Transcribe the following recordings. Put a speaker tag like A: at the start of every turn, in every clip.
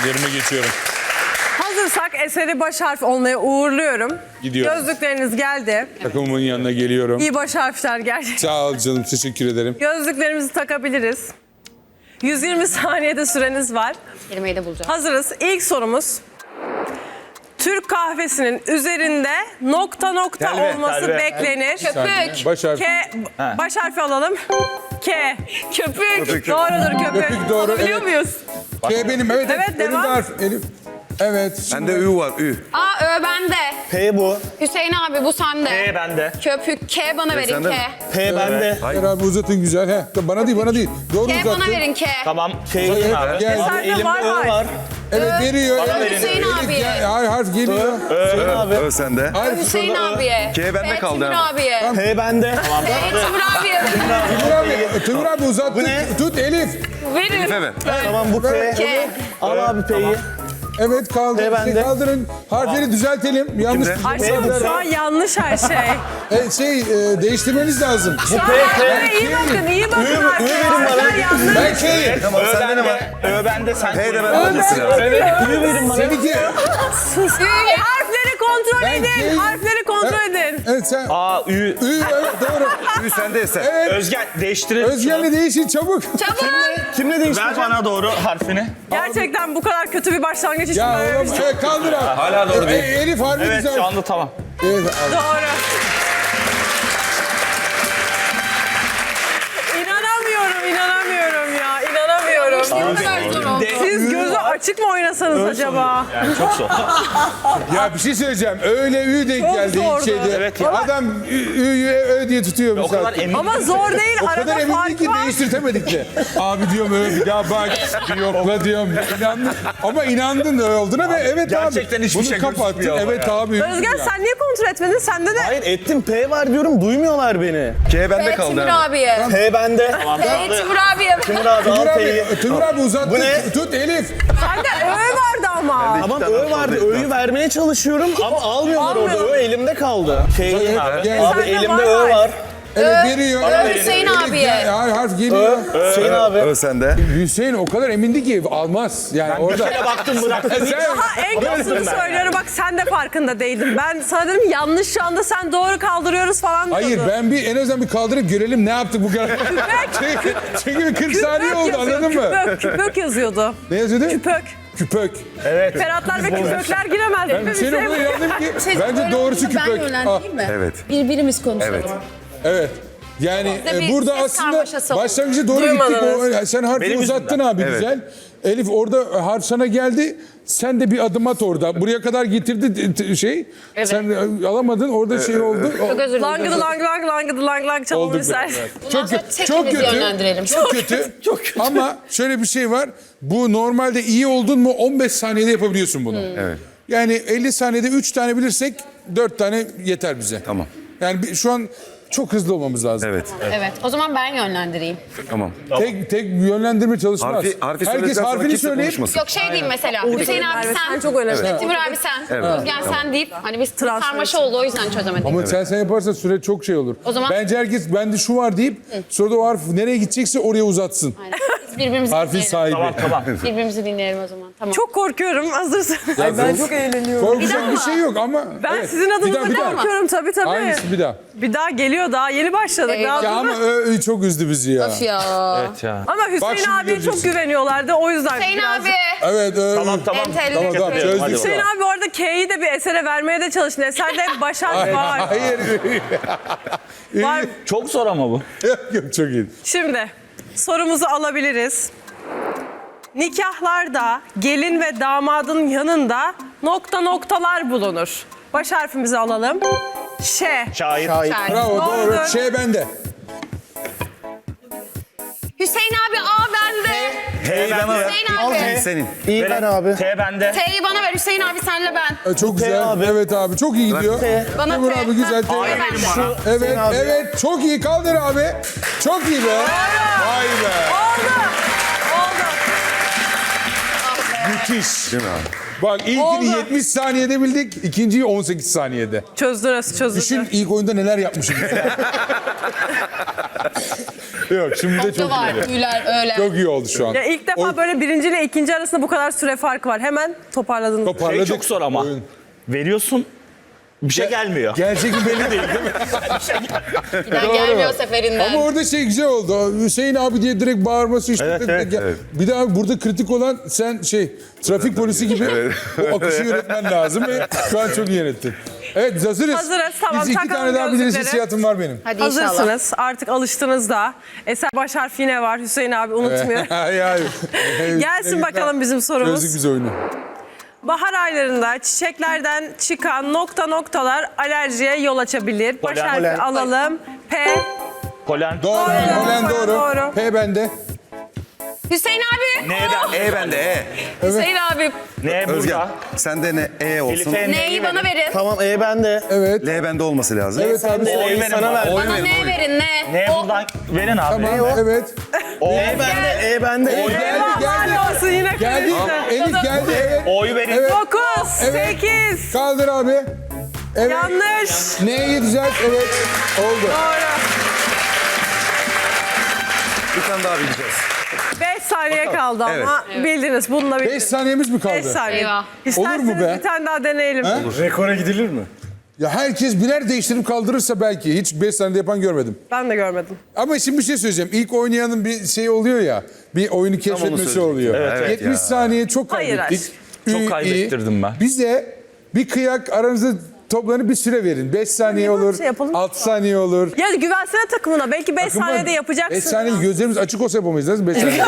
A: Yerime geçiyorum.
B: Hazırsak eseri baş harf olmaya uğurluyorum.
A: Gidiyorum.
B: Gözlükleriniz geldi.
A: Takımımın yanına geliyorum.
B: İyi baş harfler geldi.
A: Sağ ol canım, teşekkür ederim.
B: Gözlüklerimizi takabiliriz. 120 saniyede süreniz var.
C: Kelimeyi de bulacağım.
B: Hazırız. İlk sorumuz. Türk kahvesinin üzerinde nokta nokta
D: Telve,
B: olması
D: telve.
B: beklenir.
C: Köpük.
A: Baş harfi.
B: Baş harfi alalım. K. Köpük. Doğrudur köpük.
A: Köpük doğru,
B: Biliyor
A: evet.
B: muyuz?
A: K benim, evet.
B: Evet,
A: Elif
B: devam.
A: de harf, Elif. Evet.
D: Bende Ü var, Ü.
C: A, Ö bende.
E: P bu.
C: Hüseyin abi bu sende.
E: P bende.
C: Köpük. K bana verin
D: sende
C: K.
D: mi?
E: P bende.
A: Hayır abi, uzatın güzel. He. Bana değil, bana değil. Doğru
C: K
A: uzattın.
C: bana verin K.
E: Tamam. K'yim abi.
A: Gel.
B: Eserde
E: Elimde
B: var
E: Ö
B: var.
E: var.
A: Evet, veriyor.
E: Bana
A: Evet.
E: verin.
C: Hüseyin
A: Elif
C: abiye.
A: Hayır, harf geliyor.
E: Hüseyin abi.
D: Ö sende.
A: Harf
C: Hüseyin
A: sonra-
C: abiye.
D: K bende kaldı
C: Timur
D: ama.
C: abiye.
E: P bende.
C: Timur abiye.
A: Timur abi uzattı.
E: Bu ne?
A: Tut Elif.
C: Verin.
D: Elif'e ver.
E: Tamam bu P.
C: K.
E: Al abi P'yi.
A: Evet, kaldı.
E: P bende.
A: Kaldırın. Harfleri düzeltelim. Yanlış.
D: Kimde?
B: Aşkım şu an yanlış her şey.
A: Değiştirmeniz lazım.
B: Şu an harflere iyi bakın, iyi bakın harflere. Harfler yanlış.
A: Ben K'yim.
D: Tamam, sende ne var?
E: Ö bende sen.
D: P de bende olması lazım.
E: Evet. Ü verin bana.
A: Seninki.
B: Sus. Harfleri kontrol
A: Ben
B: edin.
A: K'yim.
B: Harfleri kontrol edin.
A: Evet sen.
E: A, Ü.
A: Ü, evet doğru.
D: Ü sende Eser.
A: Evet.
E: Özgen değiştirelim.
A: Özgen'le değişin çabuk.
C: Çabuk.
E: Kimle değiştireceğim? Ver bana doğru harfini.
B: Gerçekten bu kadar kötü bir başlangıç için
A: Ya
B: böyle bir
A: oğlum
B: şey.
A: kaldır abi.
D: Hala doğru değil.
A: Elif harbi
E: Evet
A: güzel.
E: şu anda tamam.
A: Evet, al.
B: Doğru. İnanamıyorum ya. İnanamıyorum.
C: Ne kadar zor oldu.
B: Siz gözü açık mı oynasanız acaba?
E: Yani çok zor.
A: Ya bir şey söyleyeceğim. Öyle ü denk
B: Çok
A: geldi ilk
B: zordu.
A: şeyde.
E: Evet ya.
A: Adam ü'yü ö diye tutuyor
E: O kadar
A: mesela.
E: emin.
B: Ama zor değil.
A: O kadar
B: Arada
A: emindik
B: fark
A: ki
B: var.
A: değiştirtemedik de. Abi diyorum öyle bir daha bak, bir yokla diyorum. İnandın. Ama inandın da olduğuna ve evet
E: gerçekten
A: abi.
E: hiçbir
A: Bunu
E: şey
A: kapattın.
E: gözükmüyor ama
A: Evet
E: ya.
A: abi.
B: Özgen sen niye kontrol etmedin? Sende de
E: Hayır ettim P var diyorum duymuyorlar beni.
D: K bende
C: P
D: kaldı
C: Timur
D: ama.
C: abiye.
E: P bende.
C: P Timur abiye.
E: Timur abi
A: Timur
E: al
A: abi,
E: P'yi.
A: Timur abi uzattı.
E: Bu ne?
A: Tut Elif.
B: sende Ö vardı ama.
E: Tamam Ö vardı. Ö'yü vermeye çalışıyorum ama almıyorlar orada.
B: Almıyor.
E: Ö elimde kaldı. K'yi abi.
A: Gel.
E: Abi
B: Sende
E: elimde
B: var.
E: Ö var.
A: Evet veriyor. Evet.
C: Hüseyin
A: Elif,
C: abiye.
A: ya, harf geliyor.
E: Hüseyin abi.
D: Ö sende.
A: Hüseyin o kadar emindi ki almaz. Yani orada.
E: Bir baktım bıraktım.
B: Ha en kötüsünü söylüyorum. Bak sen de farkında değildin. Ben sana dedim yanlış şu anda sen doğru kaldırıyoruz falan diyordun.
A: Hayır ben en azından bir kaldırıp görelim ne yaptık bu kadar. çünkü bir 40 saniye oldu
B: yazıyor,
A: anladın mı?
B: Küpök yazıyordu.
A: Ne yazıyordu?
B: Küpök.
A: Küpök.
E: Evet.
B: Ferhatlar ve küpökler giremez. değil mi?
A: Ben Hüseyin'e bunu inandım ki bence doğrusu küpök.
C: Ben yönlendireyim mi?
D: Evet.
C: Birbirimiz konuşalım.
D: Evet.
A: Evet. Yani
C: Bizde bir
A: burada
C: ses
A: aslında
C: karmaşası oldu.
A: başlangıcı doğru
B: Duymadınız.
A: gittik. Sen harfi
E: Benim
A: uzattın abi
D: Evet.
A: güzel. Elif orada harf sana geldi. Sen de bir adım at orada. Buraya kadar getirdi şey.
B: Evet.
A: Sen alamadın. Orada şey oldu.
C: Çok özür dilerim.
B: Langıdı lang çalın
A: Oldu
B: ister.
A: biraz.
C: Bundan sonra tekimizi yönlendirelim.
A: Çok kötü. Ama şöyle bir şey var. Bu normalde iyi oldun mu 15 saniyede yapabiliyorsun bunu.
D: Evet.
A: Yani 50 saniyede 3 tane bilirsek 4 tane yeter bize.
D: Tamam.
A: Yani şu an çok hızlı olmamız lazım.
D: Evet.
C: Evet. O zaman ben yönlendireyim.
D: Tamam.
A: Tek yönlendirme çalışmaz.
D: Harfi
A: Herkes
D: söyledikten sonra
A: harfini
D: kimse
A: söyleyip
D: konuşmasın.
C: Yok şey diyeyim mesela. Hüseyin abi
B: Merve,
C: sen.
B: sen çok önemli.
C: İşte Timur abi sen.
D: Evet.
C: Özgen
D: Tamam.
C: sen deyip hani biz
B: Transfer
C: karmaşa
B: için.
C: oldu o yüzden çözemedik.
A: ama sen yaparsan süre çok şey olur.
C: O zaman-
A: Bence herkes bende şu var deyip sonra da o harf nereye gidecekse oraya uzatsın.
C: Aynen. Biz birbirimizi
A: Harfin
C: dinleyelim.
A: sahibi.
E: Tamam.
C: Birbirimizi dinleyelim o zaman. Tamam.
B: Çok korkuyorum. Hazırsın.
A: ben çok
B: eğleniyorum.
A: Korkacak bir şey yok ama.
B: Ben
A: evet.
B: sizin adınıza
A: bir daha.
B: korkuyorum tabii.
A: Aynısı bir daha.
B: Bir daha geliyor daha yeni başladık.
C: Eyvah.
B: Daha
A: Ya ama çok üzdü bizi ya.
C: Of ya.
E: Evet ya.
B: Ama
A: Bak
B: Hüseyin
A: şimdi
B: abiye
A: göreceksin.
B: çok güveniyorlardı o yüzden.
C: Hüseyin
B: biraz-
C: abi.
A: Evet.
E: Tamam.
A: Tamam
C: Entelli.
A: çözdük.
E: Hadi
B: Hüseyin abi orada K'yi de bir esere vermeye de çalıştı. Eserde hep başak var.
A: Hayır.
B: Var.
E: Çok zor ama bu.
A: Yok çok iyi.
B: Şimdi sorumuzu alabiliriz. Nikahlarda gelin ve damadın yanında nokta noktalar bulunur. Baş harfimizi alalım. Ş.
E: Şair.
A: Bravo doğru.
B: Doğrudur.
A: Şey bende.
C: Hüseyin abi A bende.
D: T'yi bana ver.
C: Hüseyin abi.
D: Senin.
E: İyi ben abi. T bende.
C: T'yi bana ver Hüseyin abi senle ben.
A: Çok güzel.
E: abi.
A: Evet abi çok iyi gidiyor.
C: Bana
A: Timur
C: T.
A: abi güzel.
C: Ha, A'yı verin bana.
A: Evet
E: abi.
A: evet çok iyi kaldır abi. Çok iyi be. Vay be.
B: Oldu. Oldu.
A: Müthiş.
D: Değil mi abi?
A: Bak ilkini
B: Oldu.
A: 70 saniyede bildik. İkinciyi 18 saniyede.
B: Çözdünüz.
A: Düşün ilk oyunda neler yapmışım. Yok şimdi de
C: Nokta
A: çok
C: var.
A: iyi.
C: Tüyler öyle.
A: Çok iyi oldu şu an.
B: Ya ilk defa böyle birinci ile ikinci arasında bu kadar süre farkı var. Hemen toparladınız.
A: Toparladık.
E: Çok zor ama.
A: Oyun.
E: Veriyorsun, bir şey gelmiyor.
A: Gerçek mi belli değil değil mi?
C: Giden gelmiyor seferinden.
A: Ama orada şey güzel oldu. Hüseyin abi diye direkt bağırması işte.
E: Evet, evet,
D: evet.
A: Bir de abi burada kritik olan sen trafik polisi gibi o akışı yönetmen lazım ve şu an çok iyi yönettin. Evet biz hazırız.
B: Hazırız, tamam.
A: Biz 2
B: Takalım
A: tane daha biliriz
B: gözlükleri.
A: hissiyatım var benim.
C: Hadi inşallah.
B: Hazırsınız. Artık alıştınız da. Eser baş harfi yine var. Hüseyin abi unutmuyor.
A: Hayır.
B: Gelsin bakalım bizim sorumuz.
A: Gözlük bize oyunu.
B: Bahar aylarında çiçeklerden çıkan noktalar alerjiye yol açabilir. Baş
E: Polen.
B: harfi
E: Polen.
B: alalım. P.
E: Polen.
A: Doğru. Polen doğru.
B: Doğru.
A: P bende.
C: Hüseyin abi.
E: N'den.
D: E bende E.
C: Hüseyin abi.
E: N
D: Özgen.
E: burada.
D: Sende ne E olsun.
E: Elif'e
C: Neyi bana verin.
E: Tamam bende.
A: Evet.
D: L bende olması lazım.
A: Evet abi.
E: O'yu verin sana bana. ver.
C: Bana ne verin ne?
E: N buradan verin abi.
A: Tamam. Evet.
E: E bende.
A: Geldi geldi.
B: Helal olsun yine
A: Geldi.
B: karıştı.
A: Elif geldi. Evet.
E: O'yu verin.
A: Evet.
B: 9,
A: Evet.
B: 8.
A: Kaldır abi. Evet.
B: Yanlış.
A: Neyi düzelt? Evet. Oldu.
B: Doğru.
D: Bir tane daha bileceğiz.
B: 5 saniye kaldı ama bildiniz. Bununla
A: 5
B: bildiniz.
A: saniyemiz mi kaldı?
B: 5 saniye.
C: Eyvah.
B: İsterseniz
A: Olur mu be?
B: bir tane daha deneyelim.
E: Rekora gidilir mi?
A: Ya herkes birer değiştirip kaldırırsa belki. Hiç 5 saniyede yapan görmedim.
B: Ben de görmedim.
A: Ama şimdi bir şey söyleyeceğim. İlk oynayanın bir şey oluyor ya. Bir oyunu keşfetmesi
D: söyleyecektim.
A: oluyor.
D: Evet,
A: 70
D: ya.
A: saniye çok
B: Hayır,
A: kaybettik.
E: Çok
A: İyi,
E: kaybettirdim
A: iyi.
E: ben.
A: Bize bir kıyak aranızda toplanıp bir süre verin. 5 saniye
B: Böyle bir
A: olur,
B: şey yapalım.
A: 6 saniye olur.
B: Ya güvensene takımına. Belki 5 saniyede yapacaksın.
A: 5 saniye gözlerimiz açık olsa yapamayız. Nasıl 5 saniye?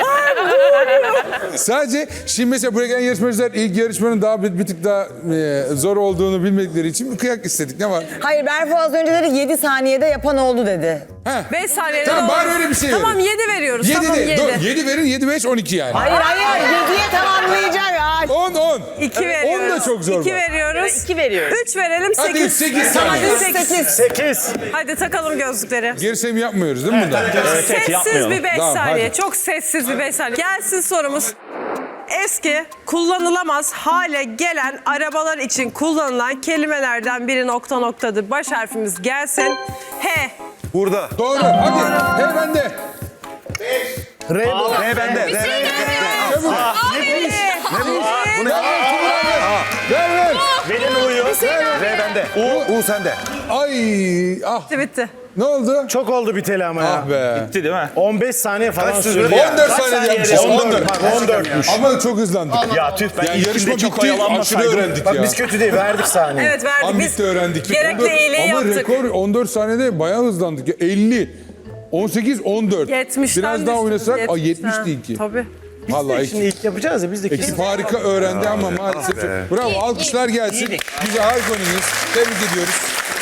A: Sadece şimdi mesela buraya gelen yarışmacılar ilk yarışmanın daha bir tık daha zor olduğunu bilmedikleri için bir kıyak istedik. Ne var?
F: Hayır Berfu az önce dedi 7 saniyede yapan oldu dedi.
B: 5 saniyede
A: Tamam,
B: olur.
A: bari öyle bir şey
B: Tamam
A: verin.
B: 7 veriyoruz.
A: 7
B: tamam
A: de,
B: 7.
A: 7 verin, 7, 5, 12 yani.
F: Hayır 7'ye tamamlayacak ya.
A: 10, 10.
B: 2 veriyoruz.
A: 10 da çok zor.
B: 2
A: bak.
B: veriyoruz. 2 veriyoruz. 3 verelim 8.
A: Hadi 8 saniye.
B: Hadi 8.
E: 8.
B: Hadi takalım gözlükleri.
A: Gerisini yapmıyoruz değil mi bunda?
B: Sessiz
E: yapmayalım.
B: bir 5
A: Tamam,
B: saniye.
A: hadi.
B: Çok sessiz bir 5 saniye. Gelsin sorumuz. Eski, kullanılamaz hale gelen arabalar için kullanılan kelimelerden biri noktadır. Baş harfimiz gelsin. H.
D: Burada.
A: Doğru. Hadi. Hey bende.
E: R bu.
D: R bende. R bende.
A: Çabuk.
D: Bu ne?
A: Ver ver.
E: Verin O'yu.
D: R bende. U sende.
A: Ay. Ah.
B: Bitti.
A: Ne oldu?
E: Çok oldu biteli ama ya.
A: Ah be.
E: Bitti değil mi? 15 saniye falan
D: Kaç
E: sürdü.
D: sürdü ya?
A: 14 saniyede yapmışız. 14.
E: Bak 14'müş.
A: Ama çok hızlandık.
E: Ya tüh ben
A: Yani
E: ilkinde
A: yarışma
E: çok
A: bitti. Aşırı
E: oyalanmasaydım.
A: öğrendik
E: Bak
A: ya.
E: biz kötü değil verdik saniye.
B: Evet verdik.
A: Tam
B: Biz
A: bitti öğrendik.
B: gerekli
A: 14
B: iyiliği
A: ama
B: yaptık.
A: rekor 14 saniyede bayağı hızlandık. Ya. 50. 18, 14.
B: 70'ten
A: Biraz daha
B: düştük,
A: oynasak
B: 70'ten.
A: 70 değil ki.
B: Tabii.
A: Vallahi
E: Şimdi ilk yapacağız ya biz de
A: ekip harika öğrendi ama maalesef. Bravo alkışlar gelsin. Bize harika oynadınız. Tebrik ediyoruz.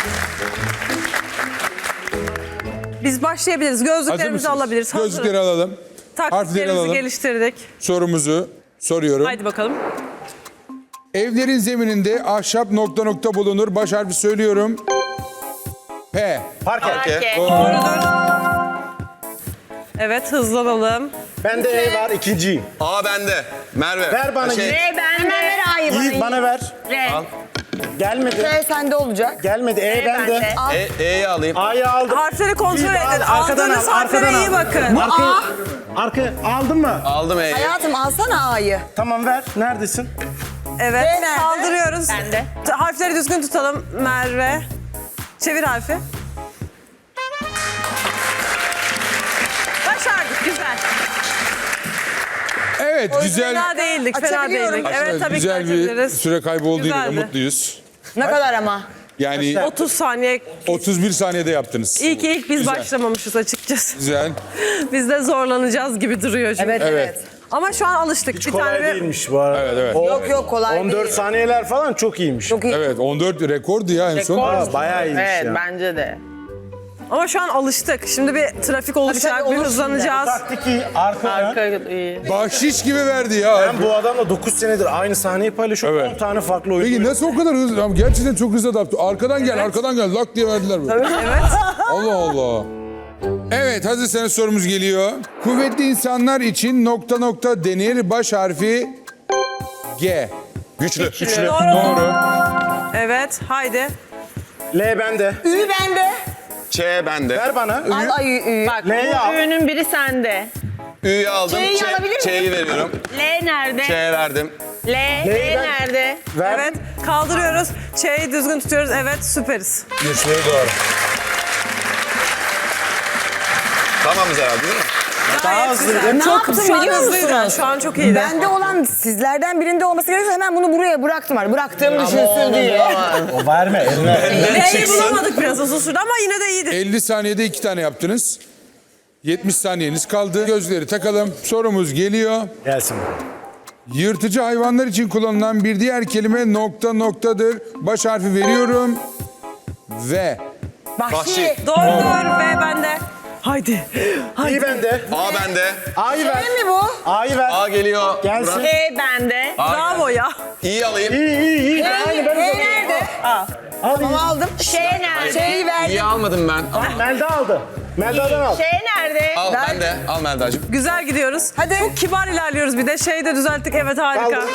B: Biz başlayabiliriz.
A: Hazır
B: Gözlüklerimizi
A: mısınız?
B: alabiliriz. Hazırız.
A: Gözlükleri alalım. Harfleri
B: Taktiklerimizi
A: alalım.
B: geliştirdik.
A: Sorumuzu soruyorum.
B: Haydi bakalım.
A: Evlerin zemininde ahşap bulunur. Baş harfi söylüyorum. P.
E: Parke.
B: Doğrudur. Evet hızlanalım.
E: Bende E var ikinciyim.
D: A bende. Merve.
E: Ver bana Yiğit.
F: Hemen ver A'yı bana.
E: Yiğit bana ver.
C: R.
E: Gelmedi.
F: R sende olacak.
E: Gelmedi. E bende.
D: E'yi alayım.
E: A'yı aldım.
B: Harfleri kontrol
E: Yiğit,
B: edin.
E: arkadan
B: Aldığınız
E: al,
B: harflere
E: arkadan
B: iyi
E: al.
B: bakın.
E: Arka aldın mı?
D: Aldım E'yi.
F: Hayatım alsana A'yı.
E: Tamam ver. Neredesin?
B: Evet.
F: B nerede?
B: Kaldırıyoruz.
C: Bende.
B: Harfleri düzgün tutalım Merve. Çevir harfi. Başardık. Güzel.
A: Evet güzel.
B: Fena değildik. Fena
F: Açabiliyorum.
B: değildik. Evet tabii
A: güzel
B: ki
A: bir
B: açabiliriz.
A: süre kaybı olduğuyla da
B: Güzeldi.
A: mutluyuz.
F: Ne kadar ama?
A: Yani
B: 30 saniye.
A: 31 saniyede yaptınız.
B: İyi ki ilk biz
A: Güzel.
B: başlamamışız açıkçası.
A: Güzel.
B: Biz de zorlanacağız gibi duruyor şimdi.
F: Evet
A: Evet.
F: evet.
B: Ama şu an alıştık.
E: Hiç
B: bir
E: kolay
B: tane
E: değilmiş bu arada.
A: Evet, evet.
F: Yok yok kolay
E: 14
F: değil.
E: saniyeler falan çok iyiymiş.
F: Çok iyi.
A: Evet 14 rekordu ya en son.
E: Aa, bayağı iyiymiş ya.
G: Bence de.
B: Ama şu an alıştık. Şimdi bir trafik oluşacak,
F: tabii,
B: bir
F: olur
B: hızlanacağız.
E: Taktik iyi. Arka.
G: iyi.
A: Bahşiş gibi verdi ya.
E: Ben bu adamla 9 senedir aynı sahneyi paylaşıyorum.
A: Evet.
E: 10 tane farklı oyun.
A: Peki nasıl o kadar hızlı? Ama gerçekten çok hızlı adapte. Arkadan gel, arkadan gel. Lak diye verdiler böyle.
B: Evet.
A: Allah Allah. Evet hazırsanız sorumuz geliyor. Kuvvetli insanlar için denir. Baş harfi G.
D: Güçlü.
B: Doğru.
A: Doğru.
B: Evet, haydi.
E: L bende.
F: Ü bende.
D: Ç Ç bende.
E: Ver bana.
F: Al ayı.
G: Bak
E: L'yi al.
G: bu ürünün biri sende.
D: Ü'yü aldım.
F: Ç'yi alabilir miyim?
D: Ç'yi veriyorum.
G: L nerede?
D: Ç verdim.
G: L nerede?
E: Ver.
B: Evet kaldırıyoruz. Ç'yi düzgün tutuyoruz. Evet süperiz.
A: Geçleri doğru.
D: Tamamız herhalde değil mi?
E: Daha hızlı.
F: Ne
B: Çok
F: yaptım
B: şu an
F: biliyor
B: hızlıydı.
F: musunuz?
B: Şu an çok iyiydi.
F: Bende olan sizlerden birinde olması gerekiyorsa hemen bunu buraya bıraktım. Bıraktığımı düşünsün diye.
E: O verme eline.
B: L'yi bulamadık biraz uzun sürdü ama yine de iyiydi.
A: 50 saniyede 2 tane yaptınız. 70 saniyeniz kaldı. Gözleri takalım. Sorumuz geliyor.
E: Gelsin.
A: Yırtıcı hayvanlar için kullanılan bir diğer kelime nokta noktadır. Baş harfi veriyorum. Ve
F: Vahşi.
B: Doğrudur ve bende. Haydi.
E: İyi bende.
D: A bende.
E: A'yı ver.
F: Ne mi bu?
E: A'yı ver.
D: A geliyor.
E: Gelsin.
G: E bende.
B: Bravo ya.
D: İ'yi alayım.
E: İyi. Aynı ben de.
F: Nerede? Tamam aldım.
G: Ş nerede?
F: Şeyi verdim.
D: İ'yi almadım ben.
E: Melda aldı. Melda'dan al.
G: Ş nerede?
D: Al ben de. Al Melda'cığım.
B: Güzel gidiyoruz. Hadi. Çok kibar ilerliyoruz bir de. Şeyi de düzelttik. Evet harika.
E: Aldım.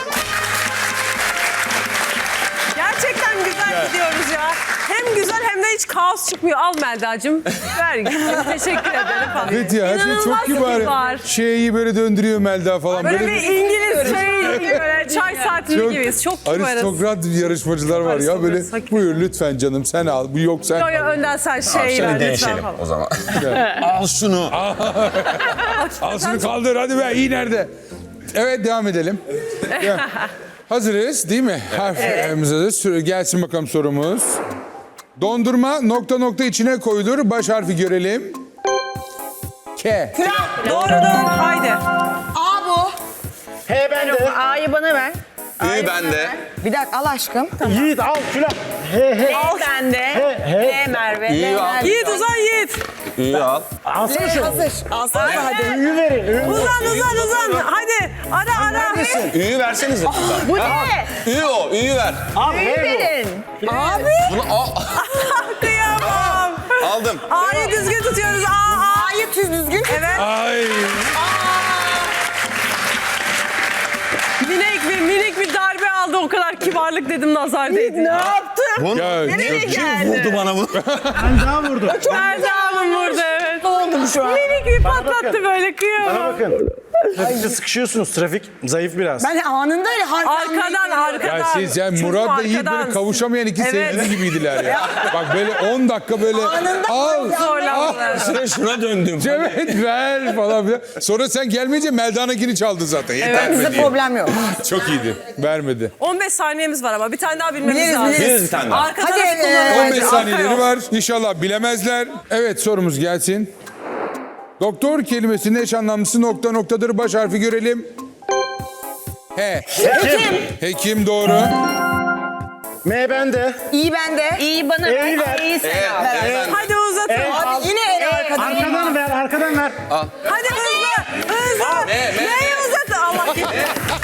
B: Gerçekten güzel gidiyoruz ya. Hem güzel hem de hiç kaos çıkmıyor. Al Melda'cığım. Ver. Teşekkür ederim falan.
A: evet ya her şey
B: İnanılmaz
A: çok kibar. Şeyi böyle döndürüyor Melda falan.
B: Böyle bir İngiliz şey gibi böyle çay saatini gibiyiz. Çok kibarız.
A: aristokrat yarışmacılar var ya böyle
B: Aristokrat.
A: buyur lütfen canım sen al. Bu yok sen
B: Yo
A: al.
B: yo önden sen şey ver lütfen falan.
D: o zaman. Al şunu.
A: Al şunu kaldır hadi be iyi nerede? Evet devam edelim. Ya, hazırız değil mi? Harflerimiz hazır. Gelsin bakalım sorumuz. Dondurma nokta nokta içine koyulur. Baş harfi görelim. K.
B: Doğrudur. Haydi.
F: A bu.
E: H bende.
G: A'yı bana ver.
D: Ü bende.
F: Bir dakika al aşkım.
E: Yiğit al. Külah. He.
G: L bende. L Merve.
D: Ü'yü al.
B: Yiğit uzan Yiğit.
D: Ü'yü al.
E: Alsana şunu.
F: Hazır. Alsana hadi.
E: Ü'yü verin. Ü'yü.
B: Uzan. Hadi. Ara.
D: Ü'yü versenize.
G: Bu ne?
D: Ü o. Ü'yü ver.
E: Al. He bu.
G: Verin.
F: Abi.
D: Bunu al.
B: Kıyamam.
D: Aldım.
B: A'yı düzgün tutuyoruz. A.
F: A'yı düzgün.
B: Evet.
A: Ay.
B: Minik bir darbe aldı. O kadar kibarlık dedim nazar değdi. Ne yaptın?
A: Ya,
D: Kim vurdu bana bunu?
E: Melda vurdu.
B: Nerede Hanım burada evet.
F: Oldum şu an.
B: Minik bir patlattı
E: bakın.
B: böyle
E: Bana
B: kıyamam.
E: bakın. Trafikte sıkışıyorsunuz. Trafik zayıf biraz.
F: Ben anında öyle
B: Arkadan.
A: ya siz yani
B: Çocuğum
A: Murat ve Yiğit
B: arkadan.
A: böyle kavuşamayan iki
B: Evet.
A: sevgili gibiydiler ya. Bak böyle 10 dakika böyle al.
B: Zorlandılar.
D: Şuna döndüm.
A: Evet ver falan filan. Sonra sen gelmeyince Melda'nınkini çaldı zaten. Yeter mi
F: Bizde
A: diye.
F: problem yok.
A: Çok iyiydi. Vermedi.
B: 15 saniyemiz var ama bir tane daha bilmemiz
F: Biliriz,
B: lazım.
F: biliriz.
D: Biliriz bir tane daha.
B: Arka
F: Hadi,
B: tarafı kullanın.
A: 15
B: Arka
A: saniyeleri
B: yok.
A: var. İnşallah bilemezler. Evet sorumuz gelsin. Doktor kelimesinin eş anlamlısı nokta noktadır. Baş harfi görelim. He.
E: Hekim.
A: Hekim doğru.
E: M bende.
F: İyi bende.
G: İ'yi bana
E: E'yi
G: ver.
E: ver.
G: A'yı sen al.
D: Ben.
B: Hadi uzatın.
F: Abi yine en arkadan.
E: Arkadan ver. Arkadan ver.
B: Hadi hızlı. Neyi uzatın? Allah gitti.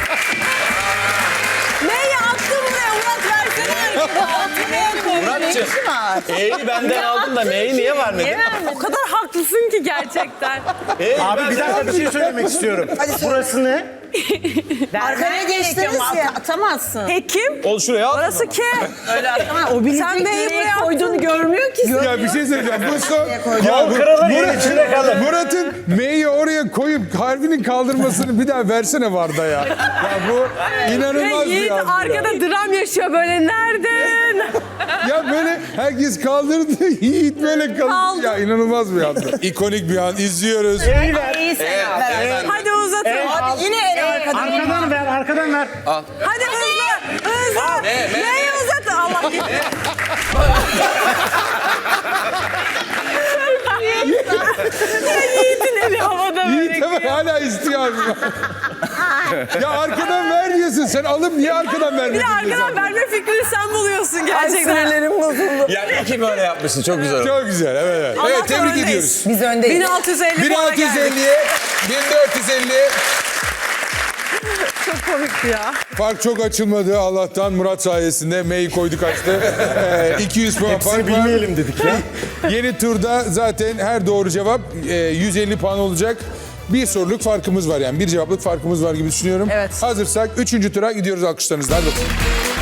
B: Neyi attın buraya? Murat versene.
D: Murat'cığım. E'yi benden aldım da M'yi niye vermedin?
B: O kadar haklısın ki gerçekten.
E: Abi bir dakika bir şey söylemek istiyorum. Burası ne?
F: Arkaya geçtiniz ya.
G: Atamazsın.
B: Hekim.
D: Ol şuraya al.
B: Orası K.
F: O bilecek
B: Sen neyi buraya attın?
G: Koyduğunu görmüyor ki.
A: Ya bir şey söyleyeceğim. Bu son.
E: Yol kırılır, yer içinde kalır.
A: Murat'ın M'yi oraya koyup harfinin kaldırmasını bir daha versene Varda ya. Ya bu inanılmaz bir
B: Yiğit
A: yazdı ya.
B: arkada dram yaşıyor böyle. Nereden?
A: Ya böyle herkes kaldırdı. Yiğit böyle kaldı.
B: Kaldı.
A: Ya inanılmaz bir anda. İkonik bir an izliyoruz.
E: E'yi ver.
G: A'yı sen al.
B: Hadi uzatın.
F: Abi yine en arkadan.
E: Arkadan ver. Arkadan ver.
B: Hadi hızlı. Neyi uzatın? Allah gitti. Yiğit'in eli havada böyle.
A: Yiğit hemen hala istiyor abi. Ya arkadan ver diyorsun. Sen alıp niye arkadan
B: Bir
A: vermedin?
B: de arkadan verme fikrini sen buluyorsun gerçekten.
D: Yani iki böyle yapmışsın. Çok güzel oldu.
A: Çok güzel evet.
B: Allah'tan
A: Evet tebrik
B: öndeyiz.
A: ediyoruz.
F: Biz öndeyiz.
B: 1650 puana geldik.
A: 1650'ye 1450.
B: Çok komikti ya.
A: Fark çok açılmadı Allah'tan Murat sayesinde. M'yi koyduk açtı. 200 puan fark
E: Hepsini
A: var.
E: bilmeyelim dedik ya.
A: Yeni turda zaten her doğru cevap 150 puan olacak. Bir soruluk farkımız var yani. Bir cevaplık farkımız var gibi düşünüyorum.
B: Evet.
A: Hazırsak 3. tura gidiyoruz alkışlarınızla. Hadi bakalım.